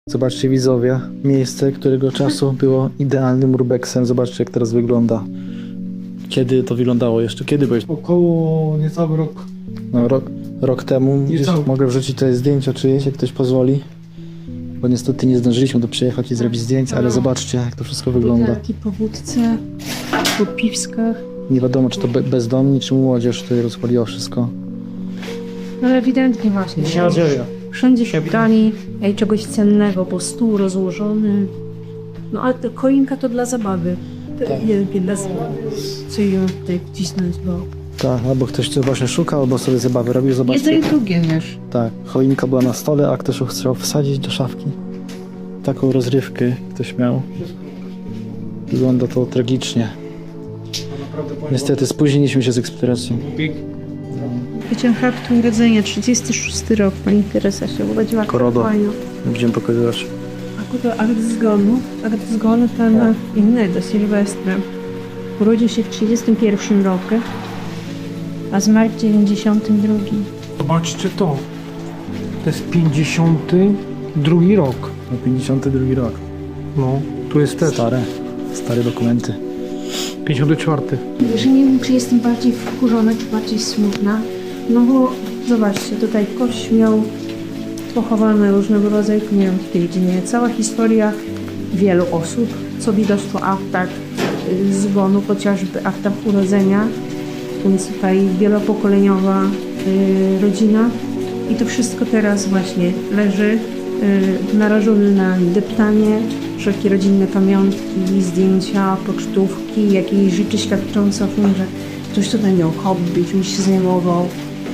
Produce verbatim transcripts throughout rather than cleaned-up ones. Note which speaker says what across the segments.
Speaker 1: Zobaczcie widzowie, miejsce, którego czasu było idealnym urbexem. Zobaczcie, jak teraz wygląda. Kiedy to wyglądało jeszcze? Kiedy byłeś?
Speaker 2: Około niecały rok.
Speaker 1: No, rok, rok temu. Gdzieś
Speaker 2: Niecały.
Speaker 1: mogę wrzucić tutaj zdjęcia czyjeś, jak ktoś pozwoli. Bo niestety nie zdążyliśmy tu przyjechać i zrobić zdjęć, ale zobaczcie, jak to wszystko wygląda.
Speaker 3: Butelki po wódce, po piwskach.
Speaker 1: Nie wiadomo, czy to be bezdomni, czy młodzież tutaj rozpaliło wszystko.
Speaker 3: No ewidentnie właśnie.
Speaker 2: Się nadzieja.
Speaker 3: Wszędzie się brali ej, czegoś cennego, bo stół rozłożony. No ale to choinka to dla zabawy. To
Speaker 1: Tak.
Speaker 3: wielkie dla zabawy. Co ją tutaj wcisnąć, bo...
Speaker 1: Tak, albo ktoś tu właśnie szukał, albo sobie zabawy robił.
Speaker 3: Jedno
Speaker 1: Zobaczcie.
Speaker 3: i drugie, wiesz.
Speaker 1: Tak, choinka była na stole, a ktoś ją chciał wsadzić do szafki. Taką rozrywkę ktoś miał. Wygląda to tragicznie. Niestety spóźniliśmy się z eksploatacją.
Speaker 3: Wyciąg aktu urodzenia, trzydziesty szósty rok, pani Teresa się urodziła.
Speaker 1: Korodo.
Speaker 3: Fajno.
Speaker 1: Będziemy pokazywać.
Speaker 3: A kuto akt zgonu, akt zgonu ten innego, Sylwestra. Urodził się w trzydziestym pierwszym roku, a zmarł w dziewięćdziesiątym drugim.
Speaker 2: Zobaczcie to. To jest pięćdziesiąty drugi rok.
Speaker 1: No, pięćdziesiąty drugi rok.
Speaker 2: No, tu jest też.
Speaker 1: Stare, stare dokumenty.
Speaker 2: pięćdziesiąty czwarty.
Speaker 3: Że nie wiem, czy jestem bardziej wkurzona, czy bardziej smutna. No bo zobaczcie, tutaj kość miał pochowane różnego rodzaju, nie wiem, w tej dziedzinie. Cała historia wielu osób, co widać to aktach y, zgonu, chociażby aktach urodzenia. Więc tutaj wielopokoleniowa y, rodzina. I to wszystko teraz właśnie leży y, narażone na deptanie, wszelkie rodzinne pamiątki, zdjęcia, pocztówki, jakieś rzeczy świadczące o tym, że ktoś tutaj miał hobby, czymś się zajmował.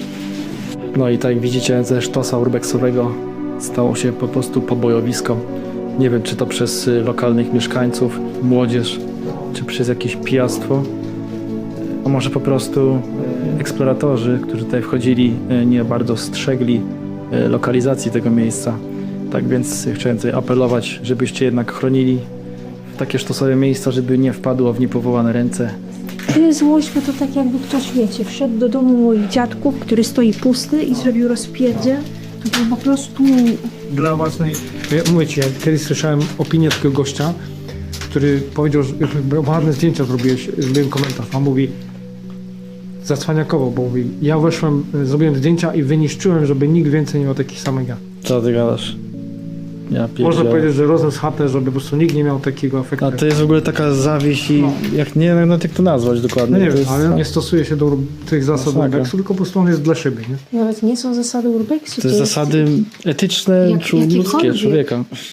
Speaker 1: No i tak jak widzicie, ze sztosa urbexowego stało się po prostu pobojowisko. Nie wiem, czy to przez y, lokalnych mieszkańców, młodzież, czy przez jakieś pijactwo. A może po prostu eksploratorzy, którzy tutaj wchodzili, y, nie bardzo strzegli y, lokalizacji tego miejsca. Tak więc chciałem tutaj apelować, żebyście jednak chronili takie sztosowe miejsca, żeby nie wpadło w niepowołane ręce.
Speaker 3: Tyle złość, bo to tak jakby ktoś, wiecie, wszedł do domu moich dziadków, który stoi pusty i zrobił rozpierdzie. To był po prostu...
Speaker 2: Dla własnej... Ja mówię ci, ja kiedyś słyszałem opinię takiego gościa, który powiedział, że ładne zdjęcia zrobiłeś, zrobiłem komentarz. On mówi zacwaniakowo, bo mówi, ja weszłem, zrobiłem zdjęcia i wyniszczyłem, żeby nikt więcej nie miał takich samych ja.
Speaker 1: Co ty gadasz? Ja
Speaker 2: Można
Speaker 1: pierdzielę.
Speaker 2: powiedzieć, że rozniósł chatę, żeby po prostu nikt nie miał takiego efektu.
Speaker 1: A to jest w ogóle taka zawiść i
Speaker 2: No.
Speaker 1: jak nie wiem nawet jak to nazwać dokładnie.
Speaker 2: No nie
Speaker 1: to
Speaker 2: wiem,
Speaker 1: jest...
Speaker 2: ale nie stosuje się do tych zasad
Speaker 1: Masakra.
Speaker 2: urbexu, tylko po prostu on jest dla szyby, nie?
Speaker 3: Nawet nie są zasady urbexu.
Speaker 1: To jest zasady etyczne
Speaker 3: Jak-
Speaker 1: czy ludzkie
Speaker 3: jakiekolwiek.
Speaker 1: człowieka.